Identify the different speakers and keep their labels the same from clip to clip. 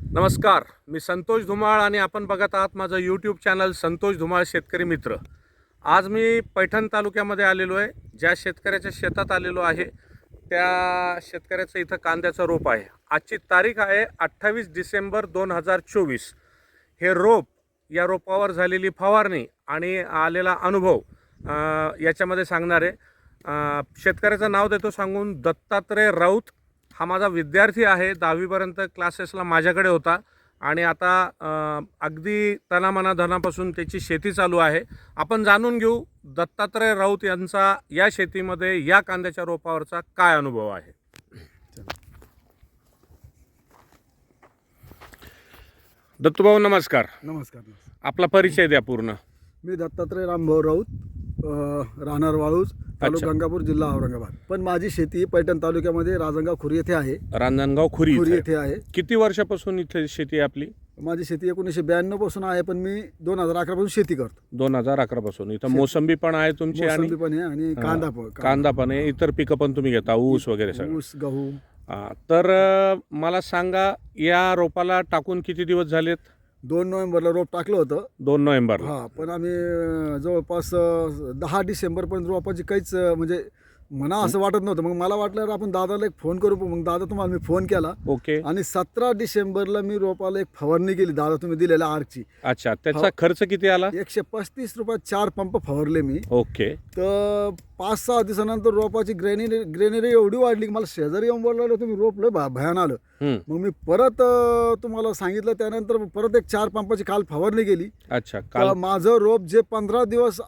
Speaker 1: नमस्कार, मी संतोष धुमाळ आणि आपण बघत आहात माझं यूट्यूब चॅनल संतोष धुमाळ शेतकरी मित्र. आज मी पैठण तालुक्यामध्ये आलेलो आहे. ज्या शेतकऱ्याच्या शेतात आलेलो आहे त्या शेतकऱ्याचं इथं कांद्याचं रोप आहे. आजची तारीख आहे 28 डिसेंबर 2024. हे रोप, या रोपावर झालेली फवारणी आणि आलेला अनुभव याच्यामध्ये सांगणार आहे. शेतकऱ्याचं नाव देतो सांगून, दत्तात्रय राऊत. हा माझा विद्यार्थी आहे. 10वीपर्यंत क्लासेसला माझ्याकडे होता आणि आता अगदी तनामना धनापासून त्याची शेती चालू आहे. आपण जाणून घेऊ दत्तात्रय राऊत यांचा या शेतीमध्ये या कांद्याच्या रोपावरचा काय अनुभव आहे. दत्तूभाऊ नमस्कार.
Speaker 2: नमस्कार.
Speaker 1: आपला परिचय द्या पूर्ण.
Speaker 2: मी दत्तात्रय रामभाऊ राऊत, राहणार वाळूज, तालुका गंगापूर, जिल्हा औरंगाबाद. पण माझी शेती पैठण तालुक्यामध्ये राजनगाव खुरी येथे आहे.
Speaker 1: रांजणगाव खुरी
Speaker 2: येथे आहे.
Speaker 1: किती वर्षापासून इथे शेती आहे आपली?
Speaker 2: माझी शेती 1992 पासून आहे, पण मी 2011 पासून शेती करतो.
Speaker 1: 2011 पासून. इथं मोसंबी पण आहे तुमची
Speaker 2: मोसंबी पण आहे आणि
Speaker 1: कांदा पण आहे. इतर पिकं पण तुम्ही घेता, ऊस वगैरे सगळं?
Speaker 2: ऊस, गहू.
Speaker 1: तर मला सांगा, या रोपाला टाकून किती दिवस झालेत?
Speaker 2: 2 नोव्हेंबरला रोप टाकलं होतं.
Speaker 1: 2 नोव्हेंबर.
Speaker 2: हा, पण आम्ही जवळपास 10 डिसेंबरपर्यंत रोपाची काहीच म्हणजे म्हणा असं वाटत नव्हतं. मग मला वाटलं आपण दादाला एक फोन करू. मग दादा तुम्हाला मी फोन केला.
Speaker 1: ओके.
Speaker 2: आणि 17 डिसेंबरला मी रोपाला एक फवारणी केली दादा तुम्ही दिलेल्या आर्कची.
Speaker 1: अच्छा, त्याचा खर्च किती आला?
Speaker 2: 135 रुपयात 4 पंप फवारले मी.
Speaker 1: ओके.
Speaker 2: तर 5-6 दिवसानंतर रोपाची ग्रेनरी एवढी वाढली की मला शेजारी येऊन बोलला तुम्ही रोप लय भयान आलं. मग मी परत तुम्हाला सांगितलं. त्यानंतर परत एक 4 पंपाची काल फवारणी केली.
Speaker 1: अच्छा.
Speaker 2: माझं रोप जे 15 दिवस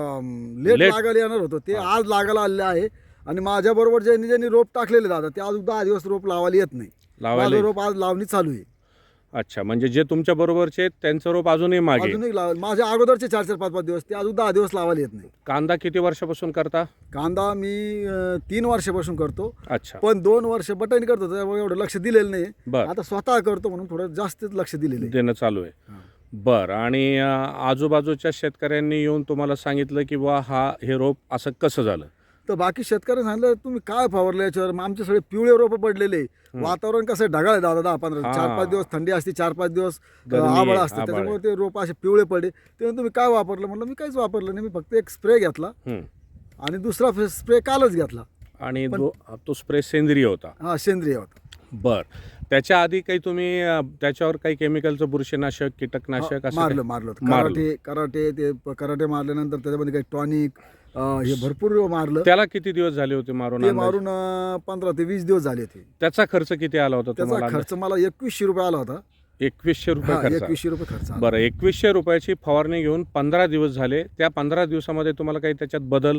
Speaker 2: लेट लागायला येणार होतं ते आज लागायला आलेलं आहे. आणि माझ्या बरोबर ज्यांनी रोप टाकलेले दादा ते अजून 10 दिवस रोप लावायला येत नाही. माझं रोप आज लावणी चालू आहे.
Speaker 1: अच्छा, म्हणजे जे तुमच्या बरोबरचे त्यांचं रोप अजूनही मागे?
Speaker 2: अजूनही माझ्या अगोदरचे 4-4, 5-5 दिवस ते अजून 10 दिवस लावायला येत नाही.
Speaker 1: कांदा किती वर्षापासून करता?
Speaker 2: कांदा मी 3 वर्षापासून करतो.
Speaker 1: अच्छा.
Speaker 2: पण 2 वर्ष बटन करतो त्यामुळे एवढं लक्ष दिलेलं नाही. आता स्वतः करतो म्हणून थोडं जास्तच लक्ष दिलेलं
Speaker 1: देणं चालू आहे. बरं. आणि आजूबाजूच्या शेतकऱ्यांनी येऊन तुम्हाला सांगितलं की बा हे रोप असं कसं झालं?
Speaker 2: तर बाकी शेतकऱ्यांनी सांगितलं तुम्ही काय फवारलं याच्यावर. मग आमचे सगळे पिवळे रोपं पडलेले. वातावरण कसं ढगाळ आहे दादा. 10-15 4-5 दिवस थंडी असते, 4-5 दिवस आभाळ असतं, त्याच्यामुळे ते रोपं असे पिवळे पडले. तेव्हा तुम्ही काय वापरलं म्हणलं. मी काहीच वापरलं नाही. मी फक्त एक स्प्रे घेतला आणि दुसरा स्प्रे कालच घेतला.
Speaker 1: आणि तो स्प्रे सेंद्रिय होता?
Speaker 2: हा, सेंद्रिय होता.
Speaker 1: बर. त्याच्या आधी काही तुम्ही त्याच्यावर काही केमिकलचं बुरशीनाशक, कीटकनाशक असं
Speaker 2: मारलं कराटे ते कराटे मारल्यानंतर त्याच्यामध्ये काही टॉनिक हे भरपूर मारलं.
Speaker 1: त्याला किती दिवस झाले होते मारून?
Speaker 2: ते मारून 15 ते 20 दिवस झाले होते.
Speaker 1: त्याचा खर्च किती आला होता?
Speaker 2: त्याचा खर्च मला 2100 रुपये आला होता.
Speaker 1: 2100 रुपये खर्च?
Speaker 2: 2100 रुपये खर्च.
Speaker 1: बरं. 2100 रुपयाची फवारणी घेऊन 15 दिवस झाले. त्या 15 दिवसामध्ये तुम्हाला काही त्याच्यात बदल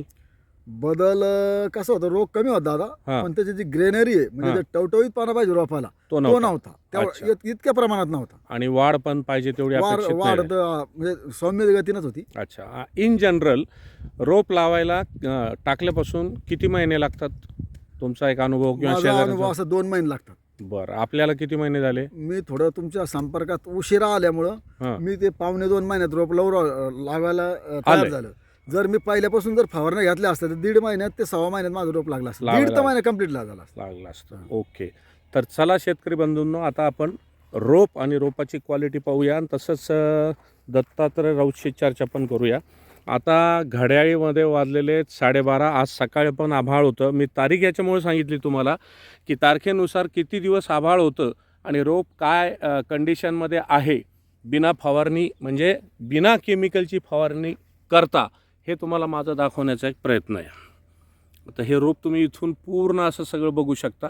Speaker 2: कसं होतं, रोग कमी होता दादा. पण त्याची जी ग्रेनरी आहे म्हणजे टवटवीत पाना पाहिजे रोपाला तो नव्हता. इतक्या प्रमाणात नव्हता.
Speaker 1: आणि वाढ पण पाहिजे तेवढी
Speaker 2: वाढ म्हणजे सौम्य गतीनच होती.
Speaker 1: अच्छा. इन जनरल रोप लावायला टाकल्यापासून किती महिने लागतात? तुमचा एक अनुभव
Speaker 2: किंवा अनुभव असं 2 महिने लागतात.
Speaker 1: बरं. आपल्याला किती महिने झाले? मी
Speaker 2: थोडं तुमच्या संपर्कात उशिरा आल्यामुळं मी ते 1.5-2 महिन्यात रोप लावायला तयार झालं. जर मी पहिल्यापासून जर फवारण्या घातल्या असत्या तर 1.5 महिन्यात ते 6 महिन्यात माझं रोप लागला असतं. 1.5 महिना कंप्लीट लागला असतं.
Speaker 1: ओके. तर चला शेतकरी बंधूंनो, आता आपण रोप आणि रोपाची क्वालिटी पाहूया आणि तसंच दत्तात्रय राऊतशी चर्चा पण करूया. आता घड्याळीमध्ये वाजलेले 12:30. आज सकाळी पण आभाळ होतं. मी तारीख याच्यामुळे सांगितली तुम्हाला की तारखेनुसार किती दिवस आभाळ होतं आणि रोप काय कंडिशनमध्ये आहे. बिना फवारणी म्हणजे बिना केमिकलची फवारणी करता हे तुम्हाला माझा दाखवण्याचा एक प्रयत्न आहे. आता हे रोप तुम्ही इथून पूर्ण असं सगळं बघू शकता.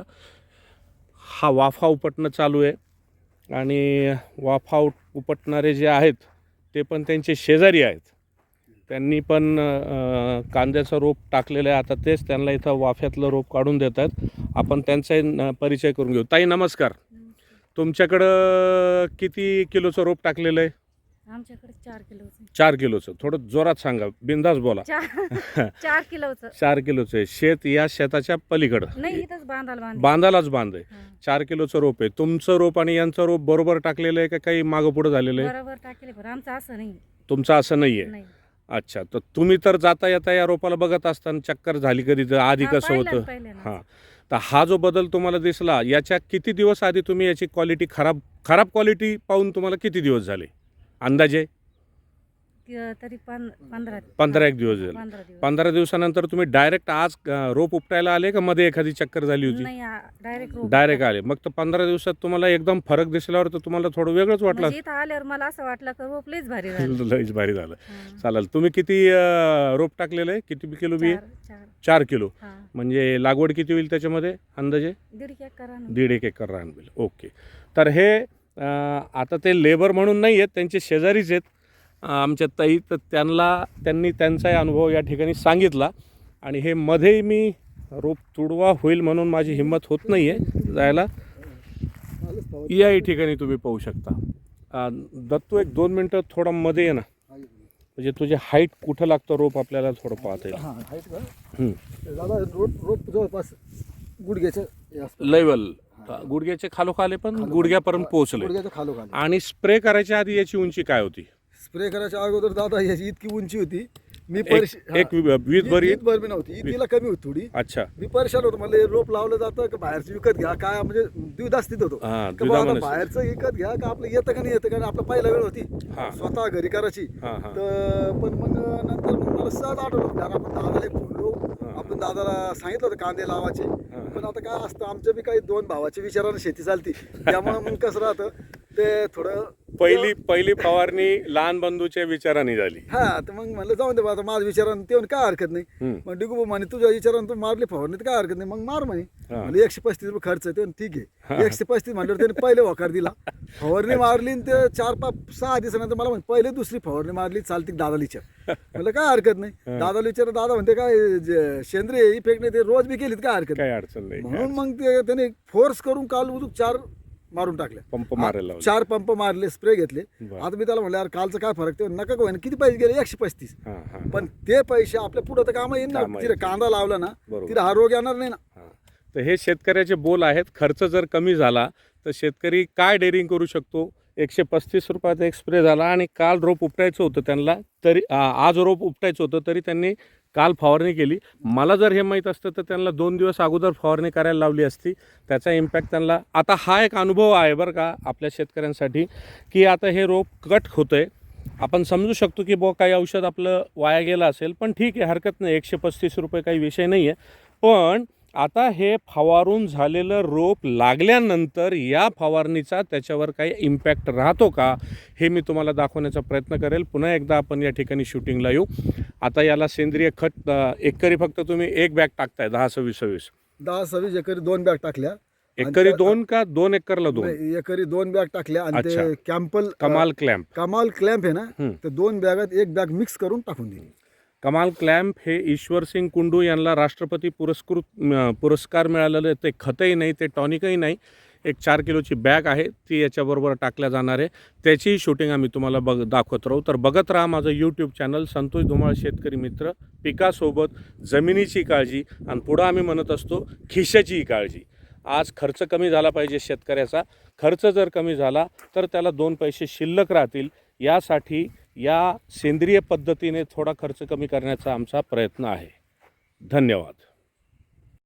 Speaker 1: हा वाफा उपटणं चालू आहे आणि वाफा उपटणारे जे आहेत ते पण त्यांचे शेजारी आहेत. त्यांनी पण कांद्याचं रोप टाकलेलं आहे. आता तेच त्यांना इथं वाफ्यातलं रोप काढून देत आहेत. आपण त्यांचा परिचय करून घेऊ. ताई नमस्कार. तुमच्याकडं किती किलोचं रोप टाकलेलं आहे?
Speaker 3: आमच्याकडे 4 किलोचं.
Speaker 1: 4 किलोचं. थोडं जोरात सांगा, बिंदास बोला.
Speaker 3: 4 किलोचं.
Speaker 1: 4 किलोचं आहे. शेत या शेताच्या पलीकडं
Speaker 3: नाही, इथंच
Speaker 1: बांधालाच बांध आहे. 4 किलोचं रोप आहे. तुमचं रोप आणि यांचं रोप बरोबर टाकलेलं आहे का काही मागं पुढं झालेलं आहे?
Speaker 3: बरोबर टाकले, पण आमचं असं नाही.
Speaker 1: तुमचं असं नाही आहे? अच्छा. तर तुम्ही तर जाता येता या रोपाला बघत असताना चक्कर झाली कधी? तर आधी कसं होतं? हां, तर हा जो बदल तुम्हाला दिसला याच्या किती दिवस आधी तुम्ही याची क्वालिटी खराब क्वालिटी पाहून तुम्हाला किती दिवस झाले अंदाजे?
Speaker 3: तरी 15
Speaker 1: 15 एक दिवस झाले.
Speaker 3: 15 दिवस
Speaker 1: 15 दिवसानंतर तुम्ही डायरेक्ट आज रोप उपटायला आले का मध्ये एखादी चक्कर झाली होती?
Speaker 3: नाही डायरेक्ट
Speaker 1: डायरेक्ट आले. मग तर 15 दिवसात तुम्हाला एकदम फरक दिसल्यावर तर तुम्हाला थोडं वेगळंच वाटलं.
Speaker 3: इथं आल्यावर मला असं वाटलं की रोप लईच भारी झालं.
Speaker 1: लईच भारी झालं.
Speaker 3: हा.
Speaker 1: चालेल. तुम्ही किती रोप टाकलेलं आहे? किती किलो बी? 4 किलो.
Speaker 3: हा.
Speaker 1: म्हणजे लागवड किती होईल त्याच्यामध्ये अंदाजे?
Speaker 3: 1.5 एकर आहे ना.
Speaker 1: 1.5 एकर रान होईल. ओके. तर हे आता ते लेबर म्हणून नाही आहेत, त्यांचे शेजारीच आहेत आमच्या ताई. तर त्यांनी त्यांचाही अनुभव या ठिकाणी सांगितला. आणि हे मध्ये मी रोप तुडवा होईल म्हणून माझी हिंमत होत नाही आहे जायला. या ठिकाणी तुम्ही पाहू शकता. दत्तू एक 2 मिनटं थोडं मध्ये ये ना, म्हणजे तुझे हाईट कुठं लागतं रोप आपल्याला थोडं पाहता येईल.
Speaker 2: हां आहेत का
Speaker 1: हं.
Speaker 2: दादा रोप जवळपास गुडघ्याचं हे असतं.
Speaker 1: लेवल गुडघ्याचे खालोखाले पण गुडघ्यापर्यंत पोहोचले.
Speaker 2: गुडघ्याचं खालोखाली.
Speaker 1: आणि स्प्रे करायच्या आधी याची उंची काय होती?
Speaker 2: स्प्रे करायच्या अगोदर दादा याची इतकी उंची होती, मी
Speaker 1: एक वीज भरी.
Speaker 2: ईद बी नव्हती, ईदीला कमी होती थोडी.
Speaker 1: अच्छा.
Speaker 2: मी परेशान होतो, मला हे रोप लावलं जातं का बाहेरचं विकत घ्या काय, म्हणजे द्विधास्थित होतो
Speaker 1: हा,
Speaker 2: का बाबा
Speaker 1: द्विधामनस्थिती.
Speaker 2: बाहेरचं विकत घ्या का आपलं येतं का नाही येतं का नाही. आपला पहिला वेळ होती
Speaker 1: हा.
Speaker 2: स्वतः घरी करायची.
Speaker 1: हा, हा.
Speaker 2: तर पण मग नंतर मग मला सहज आठवलं, कारण आपण दादाला फोनलो, आपण दादाला सांगितलं होतं कांदे लावायचे. पण आता काय असतं, आमच्या बी काही 2 भावाच्या विचारानं शेती चालती, त्यामुळे मग कसं राहतं ते थोडं
Speaker 1: पहिली फवारणी लहान बंधूच्या विचाराने झाली.
Speaker 2: हा. तर मग म्हणलं जाऊन दे बा, आता माझ्या विचारानं ते काय हरकत नाही.
Speaker 1: हम्म.
Speaker 2: मग डिगू म्हणे तुझ्या विचारानं तू मारली फवारणी तर काय हरकत नाही, मग मार म्हणे.
Speaker 1: हा.
Speaker 2: म्हणजे 135 रुपये खर्च आहे. ते म्हणले, ठीक आहे. 135 म्हणल्यावर त्याने पहिले वकार दिला, फवारणी मारली, आणि ते 4-5-6 दिवसानंतर मला म्हणे पहिले दुसरी फवारणी मारली चालती दादाला विचार. म्हणलं काय हरकत नाही. दादाला विचार, दादा म्हणते काय सेंद्रिय इफेक्ट नाही, ते रोज बी केलीत काय हरकत
Speaker 1: काही अडचण नाही.
Speaker 2: म्हणून मग ते त्याने फोर्स करून काल उदूक 4 मारून टाकले.
Speaker 1: पंप मारायला लावले.
Speaker 2: 4 पंप मारले, स्प्रे घेतले.
Speaker 1: बरं.
Speaker 2: आता मी त्याला म्हणलं यार कालचं काय फरक, ते नका होईना, किती पैसे गेले 135.
Speaker 1: हा, हा.
Speaker 2: पण ते पैसे आपल्या पुढे तर काम येईल ना.
Speaker 1: कामं
Speaker 2: तिथे
Speaker 1: येतील.
Speaker 2: कांदा लावला ना,
Speaker 1: बरोबर.
Speaker 2: तिथे हा रोग येणार नाही ना.
Speaker 1: हा. तर हे शेतकऱ्याचे बोल आहेत. खर्च जर कमी झाला तर शेतकरी काय डेअरिंग करू शकतो? 135 रुपयाचा एक स्प्रे झाला, आणि काल रोप उपटायचं होतं त्यांना, तरी आज रोप उपटायचं होतं तरी त्यांनी काल फवारणी केली. मला जर हे माहीत असतं तर त्यांना 2 दिवस अगोदर फवारणी करायला लावली असती. त्याचा इम्पॅक्ट त्यांना आता हा एक अनुभव आहे बरं का आपल्या शेतकऱ्यांसाठी, की आता हे रोप कट होतं आहे. आपण समजू शकतो की बुवा काही औषध आपलं वाया गेलं असेल, पण ठीक आहे, हरकत नाही. 135 रुपये काही विषय नाही आहे. पण आता हे फवारून झालेलं रोप लागल्यानंतर या फवारणीचा त्याच्यावर काही इम्पॅक्ट राहतो का, हे मी तुम्हाला दाखवण्याचा प्रयत्न करेल. पुन्हा एकदा आपण या ठिकाणी शूटिंगला येऊ. आता याला सेंद्रिय खत एकरी फक्त तुम्ही 1 बॅग टाकताय 10-26.
Speaker 2: 10-26 एकरी 2 बॅग टाकल्या. आणि
Speaker 1: एकरी
Speaker 2: त्या-
Speaker 1: 2 का 2 एकरला 2?
Speaker 2: नाही, एकरी 2 बॅग टाकल्या. आणि
Speaker 1: अच्छा.
Speaker 2: ते कॅम्पल
Speaker 1: कमाल क्लॅम्प.
Speaker 2: कमाल क्लॅम्प आहे ना,
Speaker 1: हम्म.
Speaker 2: ते 2 बॅगात 1 बॅग मिक्स करून टाकून दिली.
Speaker 1: कमाल क्लॅम्प हे ईश्वरसिंग कुंडू यांना राष्ट्रपती पुरस्कार मिळालेलं. ते खतही नाही, ते टॉनिकही नाही. एक 4 किलोची बॅग आहे, ती याच्याबरोबर टाकल्या जाणार आहे. त्याचीही शूटिंग आम्ही तुम्हाला दाखवत राहू. तर बघत राहा माझं यूट्यूब चॅनल संतोष धुमाळ शेतकरी मित्र. पिकासोबत जमिनीची काळजी, आणि पुढं आम्ही म्हणत असतो खिशाचीही काळजी. आज खर्च कमी झाला पाहिजे शेतकऱ्याचा. खर्च जर कमी झाला तर त्याला 2 पैसे शिल्लक राहतील. यासाठी या सेंद्रिय पद्धतीने थोडा खर्च कमी करण्याचा आमचा प्रयत्न आहे. धन्यवाद.